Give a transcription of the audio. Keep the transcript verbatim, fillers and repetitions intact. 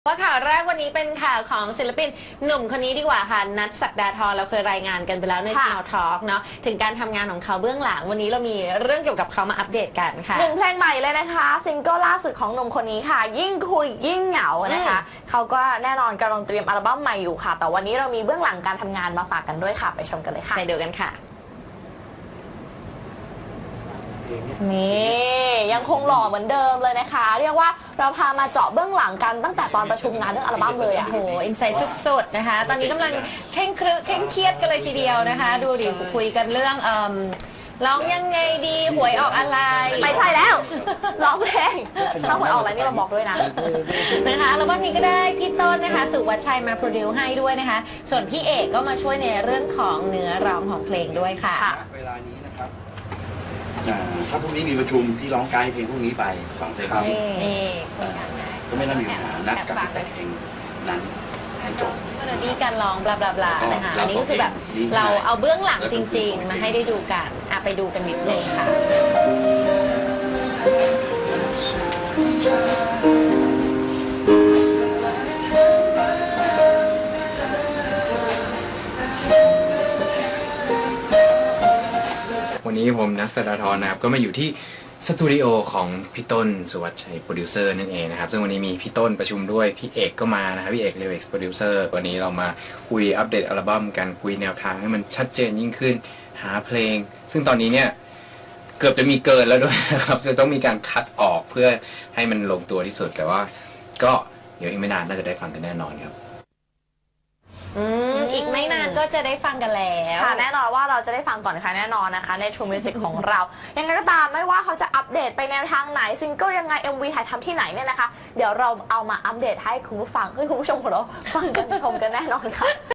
ว่าข่าวแรกวันนี้เป็นข่าวของศิลปินหนุ่มคนนี้ดีกว่าค่ะนัทศักดาธรเราเคยรายงานกันไปแล้วใน Small Talk เนาะถึงการทำงานของเขาเบื้องหลังวันนี้เรามีเรื่องเกี่ยวกับเขามาอัปเดตกันค่ะหนึ่งเพลงใหม่เลยนะคะซิงเกิลล่าสุดของหนุ่มคนนี้ค่ะยิ่งคุยยิ่งเหงานะคะเขาก็แน่นอนกำลังเตรียมอัลบั้มใหม่อยู่ค่ะแต่วันนี้เรามีเบื้องหลังการทำงานมาฝากกันด้วยค่ะไปชมกันเลยค่ะไปดูกันค่ะนี่ยังคงหล่อเหมือนเดิมเลยนะคะเรียกว่าเราพามาเจาะเบื้องหลังกันตั้งแต่ตอนประชุมงานเรื่องอัลบั้มเลยอ่ะโอ้โหอินไซต์สุดๆนะคะตอนนี้กำลังเคร่งครึเคร่งเครียดกันเลยทีเดียวนะคะดูดิคุยกันเรื่องเอ่อร้องยังไงดีหวยออกอะไรไม่ใช่แล้วร้องเพลงถ้าหวยออกอะไรนี่มาบอกด้วยนะนะคะแล้ววันนี้ก็ได้พี่ต้นนะคะสุวัชชัยมาโปรดิวให้ด้วยนะคะส่วนพี่เอกก็มาช่วยในเรื่องของเนื้อร้องของเพลงด้วยค่ะเวลานี้นะครับถ้าพรุ่งนี้มีประชุมพี่ร้องไกด์เพลงพรุ่งนี้ไปสองเพลงนี้ก็ไม่ต้องมีปัญหานัดกับแต่งเพลงนั้นให้จบเมโลดี้การร้องบลาบลาบลานะคะอันนี้ก็คือแบบเราเอาเบื้องหลังจริงๆมาให้ได้ดูกันอ่ะไปดูกันนิดนึงค่ะวันนี้ผมนัทศักดาธรนะครับก็มาอยู่ที่สตูดิโอของพี่ต้นสุวัชชัยโปรดิวเซอร์นั่นเองนะครับซึ่งวันนี้มีพี่ต้นประชุมด้วยพี่เอกก็มานะครับพี่เอกเลเว็กซ์โปรดิวเซอร์วันนี้เรามาคุยอัปเดตอัลบั้มกันคุยแนวทางให้มันชัดเจนยิ่งขึ้นหาเพลงซึ่งตอนนี้เนี่ยเกือบจะมีเกินแล้วด้วยนะครับจะต้องมีการคัดออกเพื่อให้มันลงตัวที่สุดแต่ว่าก็เดี๋ยวอีกไม่นานน่าจะได้ฟังกันแน่นอนครับอืมอีกไม่นานก็จะได้ฟังกันแล้วค่ะแน่นอนว่าเราจะได้ฟังก่อนใครแน่นอนนะคะใน True Music ของเรายังไงก็ตามไม่ว่าเขาจะอัปเดตไปแนวทางไหนซิงเกิลยังไง เอ็ม วี ถ่ายทำที่ไหนเนี่ยนะคะเดี๋ยวเราเอามาอัปเดตให้คุณผู้ฟังให้คุณผู้ชมของเราฟังกันชมกันแน่นอนค่ะ